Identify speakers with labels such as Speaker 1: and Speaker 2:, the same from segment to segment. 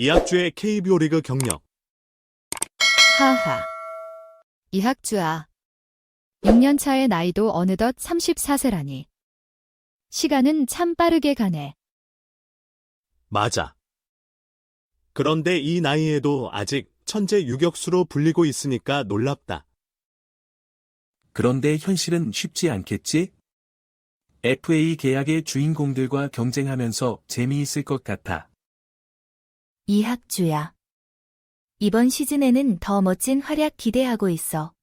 Speaker 1: 이학주의 KBO 리그 경력.
Speaker 2: 하하. 이학주아. 6년 차의 나이도 어느덧 34세라니. 시간은 참 빠르게 가네.
Speaker 1: 맞아. 그런데 이 나이에도 아직 천재 유격수로 불리고 있으니까 놀랍다.
Speaker 3: 그런데 현실은 쉽지 않겠지? FA 계약의 주인공들과 경쟁하면서 재미있을 것 같아.
Speaker 4: 이학주야. 이번 시즌에는 더 멋진 활약 기대하고 있어.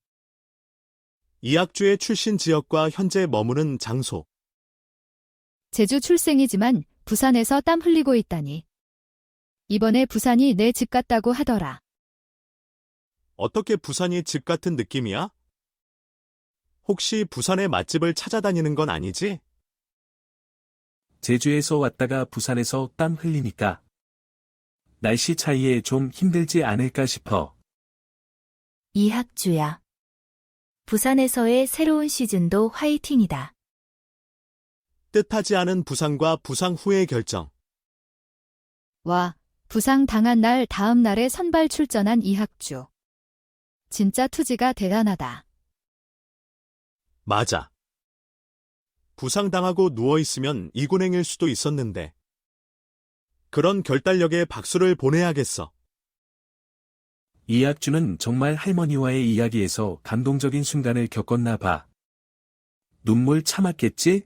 Speaker 1: 이학주의 출신 지역과 현재 머무는 장소.
Speaker 2: 제주 출생이지만 부산에서 땀 흘리고 있다니. 이번에 부산이 내 집 같다고 하더라.
Speaker 1: 어떻게 부산이 집 같은 느낌이야? 혹시 부산의 맛집을 찾아다니는 건 아니지?
Speaker 3: 제주에서 왔다가 부산에서 땀 흘리니까 날씨 차이에 좀 힘들지 않을까 싶어.
Speaker 4: 이학주야. 부산에서의 새로운 시즌도 화이팅이다.
Speaker 1: 뜻하지 않은 부상과 부상 후의 결정.
Speaker 2: 와, 부상 당한 날 다음 날에 선발 출전한 이학주. 진짜 투지가 대단하다.
Speaker 1: 맞아. 부상당하고 누워있으면 이군행일 수도 있었는데. 그런 결단력에 박수를 보내야겠어.
Speaker 3: 이학주는 정말 할머니와의 이야기에서 감동적인 순간을 겪었나 봐. 눈물 참았겠지?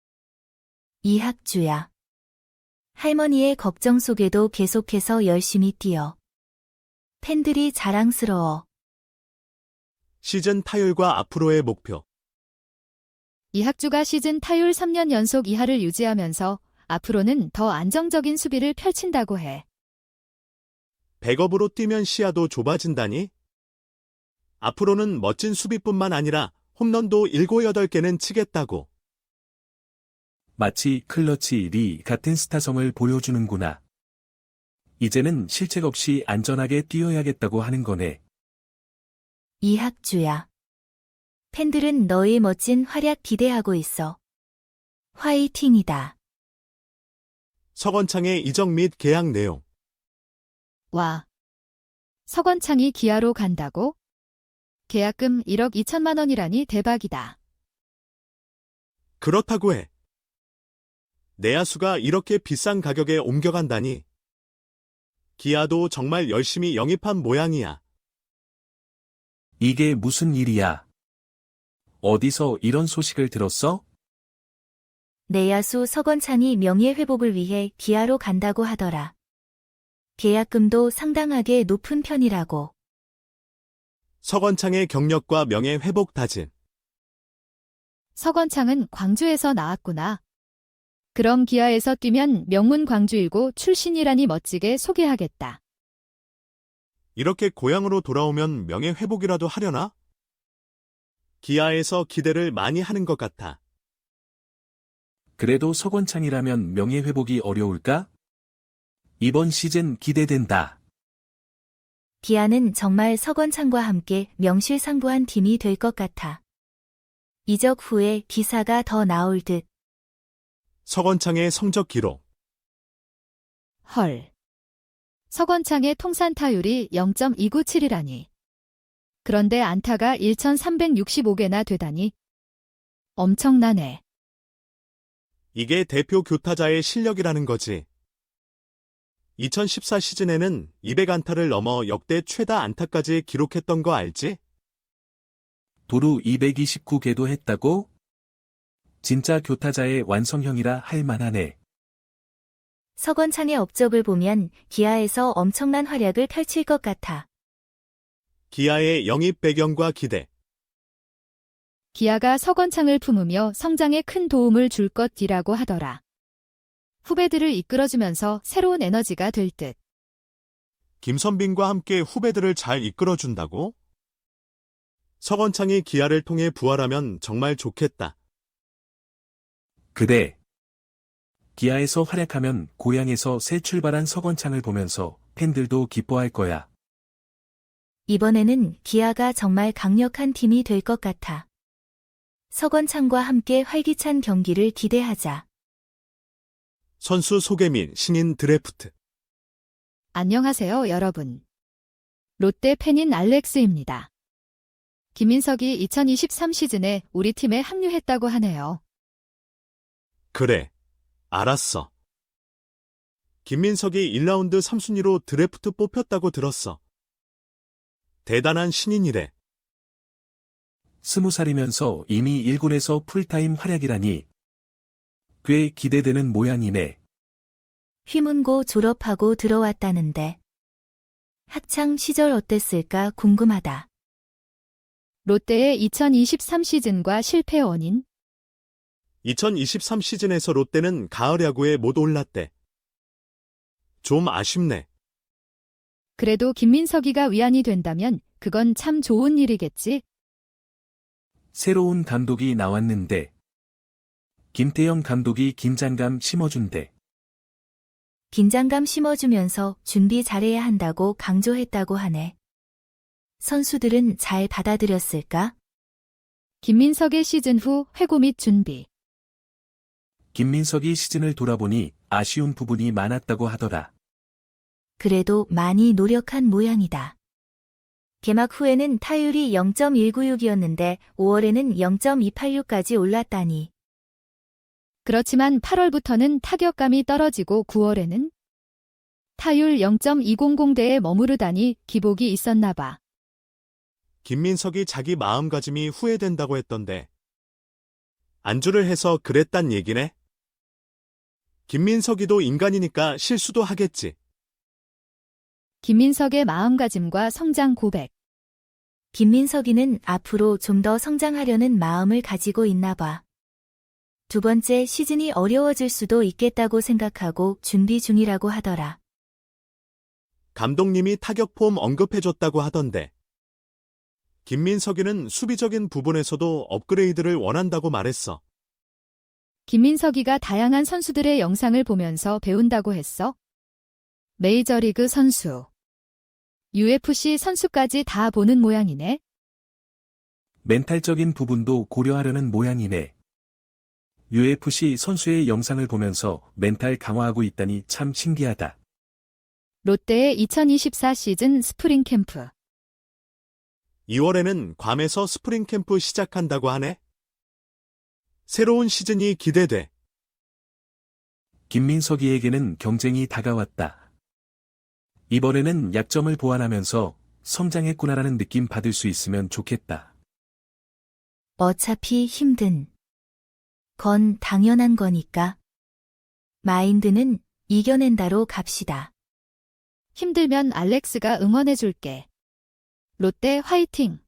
Speaker 4: 이학주야. 할머니의 걱정 속에도 계속해서 열심히 뛰어. 팬들이 자랑스러워.
Speaker 1: 시즌 타율과 앞으로의 목표.
Speaker 2: 이학주가 시즌 타율 3년 연속 이하를 유지하면서 앞으로는 더 안정적인 수비를 펼친다고 해.
Speaker 1: 백업으로 뛰면 시야도 좁아진다니? 앞으로는 멋진 수비뿐만 아니라 홈런도 7, 8개는 치겠다고.
Speaker 3: 마치 클러치 리 같은 스타성을 보여주는구나. 이제는 실책 없이 안전하게 뛰어야겠다고 하는 거네.
Speaker 4: 이학주야. 팬들은 너의 멋진 활약 기대하고 있어. 화이팅이다.
Speaker 1: 서건창의 이적 및 계약 내용.
Speaker 2: 와. 서건창이 기아로 간다고? 계약금 1억 2천만 원이라니 대박이다.
Speaker 1: 그렇다고 해. 내야수가 이렇게 비싼 가격에 옮겨간다니. 기아도 정말 열심히 영입한 모양이야.
Speaker 3: 이게 무슨 일이야? 어디서 이런 소식을 들었어?
Speaker 4: 내야수 서건창이 명예회복을 위해 기아로 간다고 하더라. 계약금도 상당하게 높은 편이라고.
Speaker 1: 서건창의 경력과 명예 회복 다짐.
Speaker 2: 서건창은 광주에서 나왔구나. 그럼 기아에서 뛰면 명문 광주이고 출신이라니 멋지게 소개하겠다.
Speaker 1: 이렇게 고향으로 돌아오면 명예 회복이라도 하려나? 기아에서 기대를 많이 하는 것 같아.
Speaker 3: 그래도 서건창이라면 명예회복이 어려울까? 이번 시즌 기대된다.
Speaker 4: 기아는 정말 서건창과 함께 명실상부한 팀이 될 것 같아. 이적 후에 기사가 더 나올 듯.
Speaker 1: 서건창의 성적 기록.
Speaker 2: 헐. 서건창의 통산 타율이 0.297이라니. 그런데 안타가 1,365개나 되다니. 엄청나네.
Speaker 1: 이게 대표 교타자의 실력이라는 거지. 2014 시즌에는 200안타를 넘어 역대 최다 안타까지 기록했던 거 알지?
Speaker 3: 도루 229개도 했다고? 진짜 교타자의 완성형이라 할 만하네.
Speaker 4: 서건창의 업적을 보면 기아에서 엄청난 활약을 펼칠 것 같아.
Speaker 1: 기아의 영입 배경과 기대.
Speaker 2: 기아가 서건창을 품으며 성장에 큰 도움을 줄 것이라고 하더라. 후배들을 이끌어주면서 새로운 에너지가 될 듯.
Speaker 1: 김선빈과 함께 후배들을 잘 이끌어준다고? 서건창이 기아를 통해 부활하면 정말 좋겠다.
Speaker 3: 그래. 기아에서 활약하면 고향에서 새 출발한 서건창을 보면서 팬들도 기뻐할 거야.
Speaker 4: 이번에는 기아가 정말 강력한 팀이 될 것 같아. 서건창과 함께 활기찬 경기를 기대하자.
Speaker 1: 선수 소개 및 신인 드래프트.
Speaker 2: 안녕하세요, 여러분. 롯데 팬인 알렉스입니다. 김민석이 2023 시즌에 우리 팀에 합류했다고 하네요.
Speaker 1: 그래, 알았어. 김민석이 1라운드 3순위로 드래프트 뽑혔다고 들었어. 대단한 신인이래.
Speaker 3: 20살이면서 이미 1군에서 풀타임 활약이라니 꽤 기대되는 모양이네.
Speaker 4: 휘문고 졸업하고 들어왔다는데. 학창 시절 어땠을까 궁금하다.
Speaker 2: 롯데의 2023 시즌과 실패 원인?
Speaker 1: 2023 시즌에서 롯데는 가을 야구에 못 올랐대. 좀 아쉽네.
Speaker 2: 그래도 김민석이가 위안이 된다면 그건 참 좋은 일이겠지?
Speaker 3: 새로운 감독이 나왔는데 김태형 감독이 긴장감 심어준대.
Speaker 4: 긴장감 심어주면서 준비 잘해야 한다고 강조했다고 하네. 선수들은 잘 받아들였을까?
Speaker 2: 김민석의 시즌 후 회고 및 준비.
Speaker 3: 김민석이 시즌을 돌아보니 아쉬운 부분이 많았다고 하더라.
Speaker 4: 그래도 많이 노력한 모양이다. 개막 후에는 타율이 0.196이었는데 5월에는 0.286까지 올랐다니.
Speaker 2: 그렇지만 8월부터는 타격감이 떨어지고 9월에는 타율 0.200대에 머무르다니 기복이 있었나 봐.
Speaker 1: 김민석이 자기 마음가짐이 후회된다고 했던데. 안주를 해서 그랬단 얘기네? 김민석이도 인간이니까 실수도 하겠지.
Speaker 2: 김민석의 마음가짐과 성장 고백.
Speaker 4: 김민석이는 앞으로 좀 더 성장하려는 마음을 가지고 있나 봐. 두 번째 시즌이 어려워질 수도 있겠다고 생각하고 준비 중이라고 하더라.
Speaker 1: 감독님이 타격폼 언급해줬다고 하던데. 김민석이는 수비적인 부분에서도 업그레이드를 원한다고 말했어.
Speaker 2: 김민석이가 다양한 선수들의 영상을 보면서 배운다고 했어. 메이저리그 선수, UFC 선수까지 다 보는 모양이네.
Speaker 3: 멘탈적인 부분도 고려하려는 모양이네. UFC 선수의 영상을 보면서 멘탈 강화하고 있다니 참 신기하다.
Speaker 2: 롯데의 2024 시즌 스프링 캠프.
Speaker 1: 2월에는 괌에서 스프링 캠프 시작한다고 하네. 새로운 시즌이 기대돼.
Speaker 3: 김민석이에게는 경쟁이 다가왔다. 이번에는 약점을 보완하면서 성장했구나라는 느낌 받을 수 있으면 좋겠다.
Speaker 4: 어차피 힘든 건 당연한 거니까. 마인드는 이겨낸다로 갑시다.
Speaker 2: 힘들면 알렉스가 응원해줄게. 롯데 화이팅!